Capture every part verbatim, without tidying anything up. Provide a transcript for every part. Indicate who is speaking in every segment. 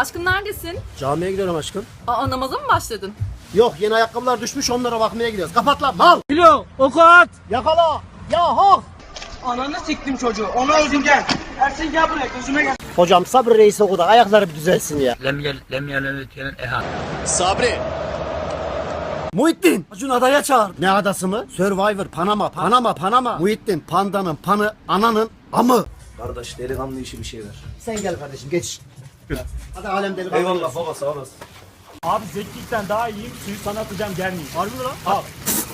Speaker 1: Aşkım neredesin?
Speaker 2: Camiye gidiyorum aşkım.
Speaker 1: Aa, namaza mı başladın?
Speaker 2: Yok, yeni ayakkabılar düşmüş, onlara bakmaya gidiyoruz. Kapat lan mal. Kilo, okat. Yakala. Ya hok.
Speaker 3: Ananı siktim çocuğu. Onu öldür gel. Ersin gel buraya gözüme gel.
Speaker 2: Hocam Sabri Reis okudu. Ayakları bir düzelsin ya.
Speaker 4: Sabri.
Speaker 2: Muhittin. Acun adaya çağır. Ne adası mı? Survivor, Panama, Panama, Panama. Muhittin, pandanın panı, ananın amı.
Speaker 5: Kardeş delikanlı işi bir şey ver.
Speaker 2: Sen gel kardeşim, geç. Hadi alem delikanlı.
Speaker 5: Eyvallah baba sağ olasın.
Speaker 3: Abi zeklikten daha iyiyim. Suyu sana atacağım gelmeyin.
Speaker 2: Harbi mi lan?
Speaker 3: Al.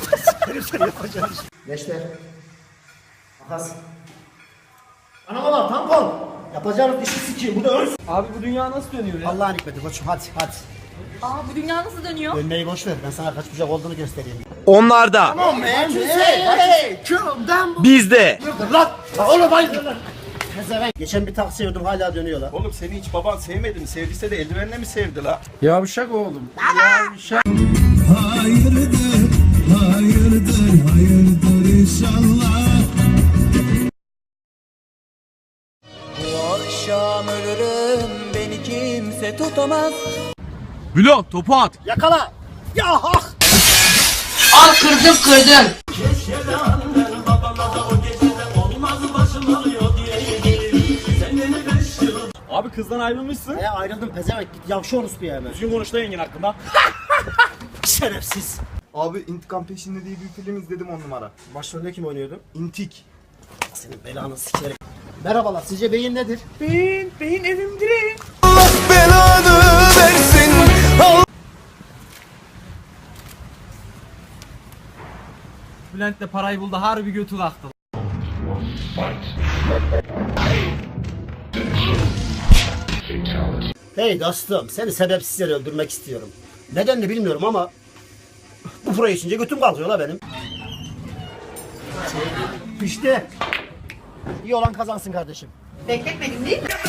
Speaker 2: Gençler. Makas. Anama bak, tampon. Yapacağınız işi sikeyim. Bu da örs.
Speaker 3: Abi bu dünya nasıl dönüyor ya?
Speaker 2: Allah'ın hikmeti koçum, hadi hadi.
Speaker 1: Aa, bu dünya nasıl dönüyor?
Speaker 2: Dönmeyi boş ver, ben sana kaç bucak olduğunu göstereyim.
Speaker 5: Onlarda.
Speaker 2: Tamam man, hey, hey, hey.
Speaker 5: Bizde.
Speaker 2: Lan, oğlum hayır lan. Pezevenk. Geçen bir taksi gördüm, hala dönüyor lan.
Speaker 6: Oğlum seni hiç baban sevmedi mi? Sevdiyse de eldivenle mi sevdi la?
Speaker 7: Yavşak oğlum. Yavşak.
Speaker 5: Bilo topu at.
Speaker 2: Yakala. Ya hak.
Speaker 1: Al kırdım kırdım.
Speaker 3: Abi kızdan ayrılmışsın.
Speaker 2: Ya ayrıldım pezevenk, git yavşa orospu ya hemen.
Speaker 3: Düzgün konuş da yengin hakkında.
Speaker 2: Şerefsiz.
Speaker 4: Abi İntikam Peşinde diye bir film izledim on numara.
Speaker 2: Başrolde kim oynuyordu?
Speaker 4: İntik.
Speaker 2: Senin belanı sikerim. Merhabalar, sizce beyin nedir?
Speaker 3: Beyin, beyin evimdir. Bülent de parayı buldu, harbi götü kalktı.
Speaker 2: Hey dostum, seni sebepsiz yere öldürmek istiyorum. Nedenini bilmiyorum ama bu proje içince götüm kalkıyor la benim. İşte. İyi olan kazansın kardeşim.
Speaker 1: Bekletmedim değil mi?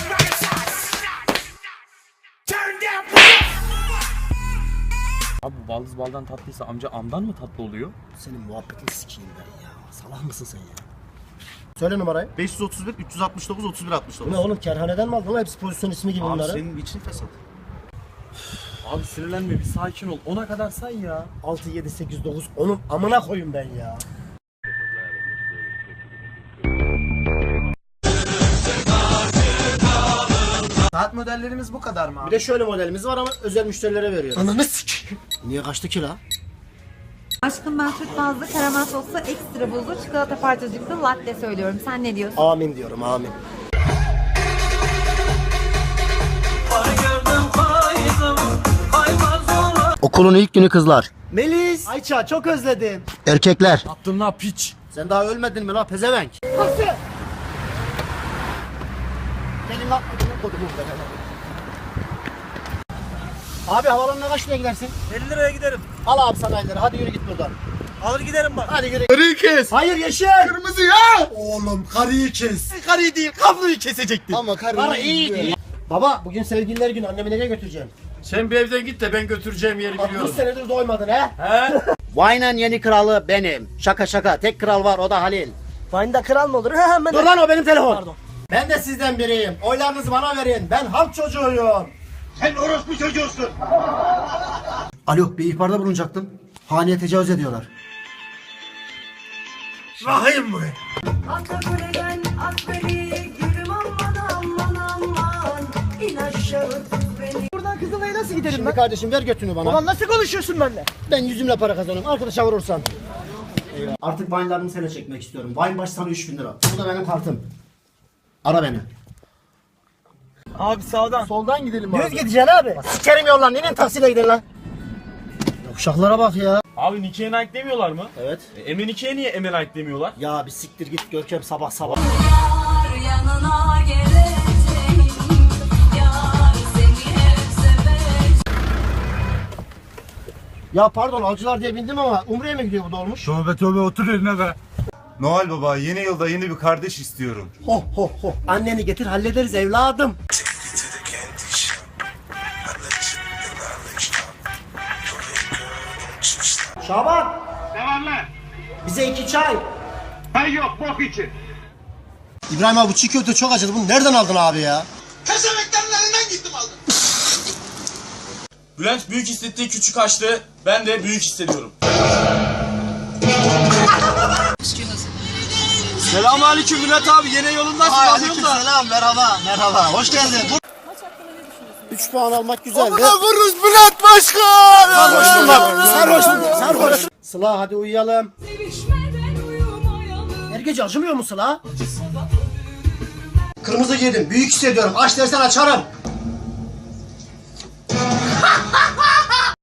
Speaker 5: Abi bu baldız baldan tatlıysa amca amdan mı tatlı oluyor?
Speaker 2: Senin muhabbetini sikeyim ben ya. Salak mısın sen ya? Söyle numarayı.
Speaker 5: beş yüz otuz bir üç yüz altmış dokuz otuz bir altmış
Speaker 2: Bu
Speaker 5: dokuz.
Speaker 2: ne oğlum, kerhaneden mi aldın lan? Hepsi pozisyon ismi gibi
Speaker 5: Abi
Speaker 2: bunların.
Speaker 5: senin için fesat.
Speaker 7: Abi sinirlenme bir sakin ol. Ona kadar say ya.
Speaker 2: altı, yedi, sekiz, dokuz, onun amına koyun ben ya.
Speaker 4: Saat modellerimiz bu kadar mı
Speaker 2: Bir de şöyle modelimiz var ama özel müşterilere veriyoruz. Ananı sikeyim. Niye kaçtı ki la?
Speaker 1: Aşkım ben süt bazlı karamel soslu ekstra buzlu çikolata parçacıklı latte söylüyorum. Sen ne diyorsun?
Speaker 2: Amin diyorum, amin. Okulun ilk günü kızlar. Melis. Ayça çok özledim. Erkekler.
Speaker 7: Attın la piç.
Speaker 2: Sen daha ölmedin mi la pezevenk? Nasıl? Benim lan. Abi havalanına kaç liraya gidersin?
Speaker 3: elli liraya giderim.
Speaker 2: Al abi sana elleri, hadi yürü git buradan.
Speaker 3: Alır giderim bak.
Speaker 2: Hadi yürü.
Speaker 4: Karıyı kes.
Speaker 2: Hayır yeşil.
Speaker 4: Kırmızı ya. Oğlum karıyı kes.
Speaker 3: Karıyı değil, kabloyu kesecektim.
Speaker 4: Ama karıyı
Speaker 2: Var iyi değil. Baba bugün sevgililer günü, annemi nereye götüreceğim?
Speaker 7: Sen bir evden git de ben götüreceğim yeri
Speaker 2: altmış
Speaker 7: biliyorum.
Speaker 2: senedir doymadın he?
Speaker 7: He?
Speaker 2: Vine'ın yeni kralı benim. Şaka şaka, tek kral var, o da Halil. Vine'da kral mı olur? Hemen. Dur lan, o benim telefon. Pardon. Ben de sizden biriyim. Oylarınızı bana verin. Ben halk çocuğuyum.
Speaker 6: Sen orospu çocuğusun.
Speaker 2: Alo, bir ihbarda bulunacaktım. Haneye tecavüz ediyorlar.
Speaker 6: Rahim bu.
Speaker 3: Buradan Kızılay'a nasıl giderim
Speaker 2: Şimdi kardeşim ver götünü bana.
Speaker 3: Ulan nasıl konuşuyorsun benimle?
Speaker 2: Ben yüzümle para kazanıyorum. Arkadaşa vurursan. Eyvah. Artık Vine'larını sana çekmek istiyorum. Vine başı sana üç bin lira. Bu da benim kartım. Ara beni.
Speaker 3: Abi sağdan.
Speaker 2: Soldan gidelim abi. Düz gideceksin abi. Bak, sikerim yollan. Neyin taksiyle gidelim lan? Ya uşaklara bak ya.
Speaker 3: Abi Nike'ye Nike demiyorlar mı?
Speaker 2: Evet.
Speaker 3: E, Eme Nike'ye niye Eme Nike demiyorlar?
Speaker 2: Ya bir siktir git Görkem sabah sabah.
Speaker 1: Yanına geleceğim. Yar seni hep seveceğim.
Speaker 2: Ya pardon, avcılar diye bindim ama Umre'ye mi gidiyor bu dolmuş?
Speaker 7: Tövbe tövbe otur eline be.
Speaker 6: Noel Baba yeni yılda yeni bir kardeş istiyorum.
Speaker 2: Ho ho ho. Anneni getir hallederiz evladım. Şaban.
Speaker 6: Ne var lan?
Speaker 2: Bize iki çay.
Speaker 6: Hay yok bok için.
Speaker 2: İbrahim abi bu çiğ köfte çok acıdı. Bunu nereden aldın abi ya?
Speaker 6: Peşemeklerin elinden gittim aldım.
Speaker 3: Bülent büyük hissettiği küçük açtı. Ben de büyük hissediyorum. Selamünaleyküm Bülent abi. Yine yolundasın.
Speaker 2: Aleykümselam, merhaba, merhaba. Hoş geldin. üç puan almak güzeldi.
Speaker 4: Vururuz Bülent Başkan!
Speaker 2: Sarhoş bunlar. Sarhoş bunlar. Sarhoş. Sıla hadi uyuyalım. Her gece acımıyor mu Sıla? Kırmızı giydim. Büyük hissediyorum. Aç dersen açarım.